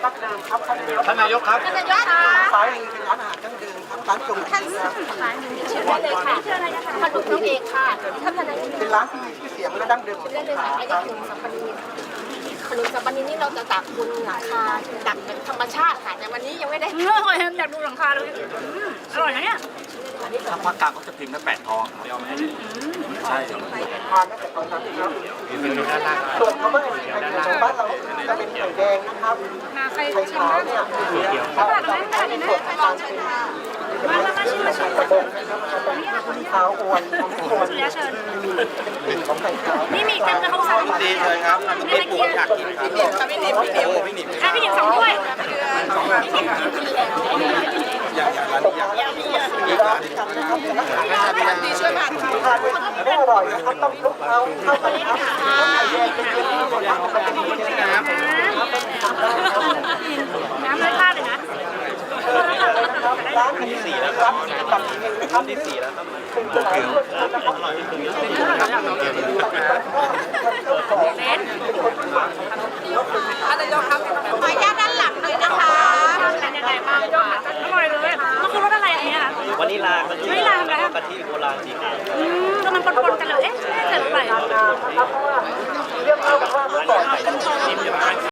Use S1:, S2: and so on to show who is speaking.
S1: ดั้งเดิมครับ
S2: ท่านนายกครับ
S3: ท่านนายกค่ะ
S1: ซ้ายมือเป็นร้านอาหารดั้งเดิมครับร้านจง
S3: ท่าน
S1: จีครับ
S3: เชิญได้เลยค่ะชื่ออะไรนะคะขนมน้องเอกค่ะท่านนายก
S1: เป็นร้านที่มีชื่อเสียงและดั้งเดิมของ
S3: ได้
S1: ส
S3: เลย
S1: งข
S3: ค่ะ
S1: ลา
S3: อัน
S1: ค
S3: นี้
S1: รับ
S3: ขนมสับปะรดขนมสับปะรดนี่เราจะตักบนหลังคาตักเป็นธรรมชาติค่ะแต่วันนี้ยังไม่ได้
S4: อร่อยอยากดูหลังคาเลยอร่อยนะเนี่ย
S2: ถ้าภาคกลางเขาจะพิมพ์ตั้ง8 ทองเดียวไหมใช่
S1: ทานตั้งแต่ตอนนั้นครับส่วนเขาไม่ได้ไข่เจียวบ้านเราจะเป็นไข่แดงนะครับ
S4: มาใคร
S1: ไข่
S4: ชิม
S1: ขาว
S4: บ้าง
S1: เนี่ยเขาจะเป็นส่วนของการเป็น
S4: มาชิมมาชิม
S1: กระบอกนะครับมันขาวอ้วนทำให้คน
S4: เชิญ
S1: มีเป็นกลิ่นของไข่ขาว
S4: นี่มีเต็มเลยเขาสั่ง
S2: ดีเลยครับไม่ปวดอยากกินครับพี่หนิมพี่หนิมพี่หนิม
S4: ให้พี่หญิง2 ถ้วย
S2: อย่างร้านนี้อย่าง
S1: ร้านกันนะครับดีช่วยมาทานไม่อร่อยนะครับต้องคลุกเคล้าเข้ากันครับไข่แดงเป็นตัวที่คนทำมันจะมีเป็นน้ำครับทำได้ครับ
S4: น้ำเลยราดเลยนะ
S1: ร้านที่4แล้วครับตัดเองนะครับที่4แล้วครับเป็นตลาดเพื่อนนะครับอร่อยที่สุด
S3: ขออนุญาตด้านหลังเลยนะคะ
S4: เป็นยังไงบ้างคะอร่อยเลยมันคือรสอะไรอันนี้คะ
S5: วานิลามัน
S4: ไม่ลามนะ
S5: กะทิโบราณสีขาว
S4: ก็มันปนๆกันเลยเอ๊ะใส่ลงไป
S1: นะครับเพราะว่าเรื่องเล่าว่าเมื่อก่อน